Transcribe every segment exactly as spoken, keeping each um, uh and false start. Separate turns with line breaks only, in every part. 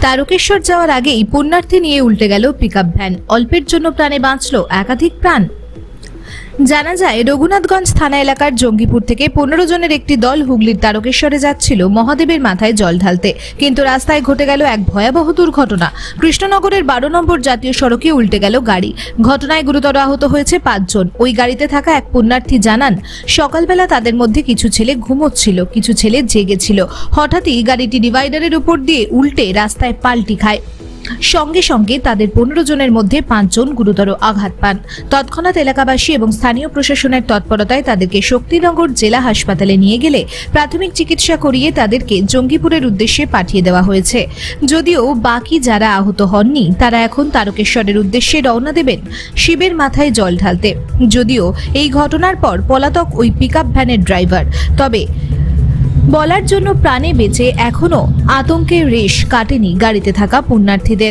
তারকেশ্বর যাওয়ার আগেই পুণ্যার্থী নিয়ে উল্টে গেল পিকআপ ভ্যান। অল্পের জন্য প্রাণে বাঁচল একাধিক প্রাণ। জানা যায়, রঘুনাথগঞ্জ থানা এলাকার জঙ্গিপুর থেকে পনেরো জনের একটি দল হুগলির তারকেশ্বরে যাচ্ছিল মহাদেবের মাথায় জল ঢালতে, কিন্তু রাস্তায় ঘটে গেল এক ভয়াবহ দুর্ঘটনা। কৃষ্ণনগরের বারো নম্বর জাতীয় সড়কে উল্টে গেল গাড়ি। ঘটনায় গুরুতর আহত হয়েছে পাঁচজন। ওই গাড়িতে থাকা এক পুণ্যার্থী জানান, সকালবেলা তাদের মধ্যে কিছু ছেলে ঘুমোচ্ছিল, কিছু ছেলে জেগেছিল। হঠাৎই গাড়িটি ডিভাইডারের উপর দিয়ে উল্টে রাস্তায় পাল্টি খায়। সঙ্গে সঙ্গে তাদের পনেরো জনের মধ্যে পাঁচজন গুরুতর আঘাত পান। তৎক্ষণাৎ এলাকাবাসী এবং স্থানীয় প্রশাসনের তৎপরতায় তাদেরকে শক্তিনগর জেলা হাসপাতালে নিয়ে গেলে প্রাথমিক চিকিৎসা করিয়ে তাদেরকে জঙ্গিপুরের উদ্দেশ্যে পাঠিয়ে দেওয়া হয়েছে। যদিও বাকি যারা আহত হননি তারা এখন তারকেশ্বরের উদ্দেশ্যে রওনা দেবেন শিবের মাথায় জল ঢালতে। যদিও এই ঘটনার পর পলাতক ওই পিকআপ ভ্যানের ড্রাইভার, তবে বলার জন্য প্রাণে বেঁচে এখনো আতঙ্কের রেশ কাটেনি গাড়িতে থাকা পুণ্যার্থীদের।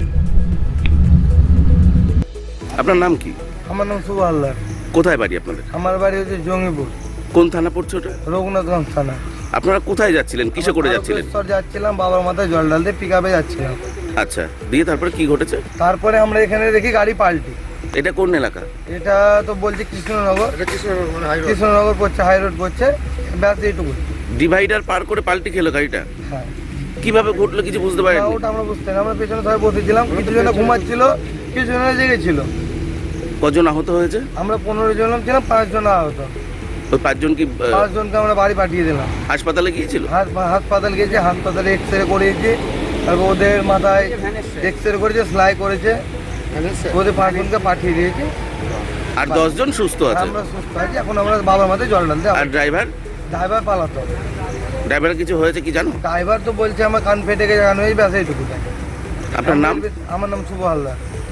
আপনার নাম কি?
আমার নাম শুভ হালদার।
কোথায় বাড়ি আপনাদের?
আমার বাড়ি হচ্ছে জঙ্গিপুর,
কোন থানা পড়ছে ওটা?
রঘুনাথগঞ্জ থানা।
আপনারা কোথায় যাচ্ছিলেন, কিসে করে যাচ্ছিলেন?
তারকেশ্বর যাচ্ছিলাম, বাবার মাথায় জল ঢালতে পিকআপে যাচ্ছিলাম।
আচ্ছা, দিয়ে তারপরে কি ঘটেছে?
তারপরে আমরা এখানে দেখি গাড়ি পাল্টি।
এটা কোন এলাকা?
এটা তো বলছে কৃষ্ণনগর, কৃষ্ণনগর পড়ছে, হাই রোড পড়ছে, ব্যাস এইটুকু।
ডিভাইডার পার করে পাল্টি খেলো গাড়িটা?
হ্যাঁ।
কিভাবে ঘটলো কিছু বুঝতে পারেন?
ওটা আমরা বুঝতে না, আমরা পেছনে সবাই বসেছিলাম, কিছু জন ঘুমাচ্ছিল, কিছু জন জেগেছিল।
কজন আহত হয়েছে?
আমরা পনেরো জন ছিলাম, পাঁচ জন আহত।
ওই পাঁচজন কি আহ,
পাঁচ জনকে আমরা বাড়ি পাঠিয়ে দিলাম।
হাসপাতালে গিয়েছিল?
হাস- হাসপাতাল গেছে, হাসপাতালে এক্স রে করিয়েছে, তারপর ওদের মাথায় এক্স রে করেছে, সেলাই করেছে, ওদের পাঁচজনকে পাঠিয়ে দিয়েছে।
আর দশজন সুস্থ আছে।
আমরা সুস্থ আছি, এখন আমরা বাবার মাথায় জল ঢালতে।
আর ড্রাইভার?
ড্রাইভার পালাতো।
ড্রাইভার কিছু হয়েছে কি জানো?
ড্রাইভার তো বলছে আমার কান ফেটে গেছে, কান হয়ে ব্যাস এইটুকু।
আপনার নাম?
আমার নাম শুভ হালদার।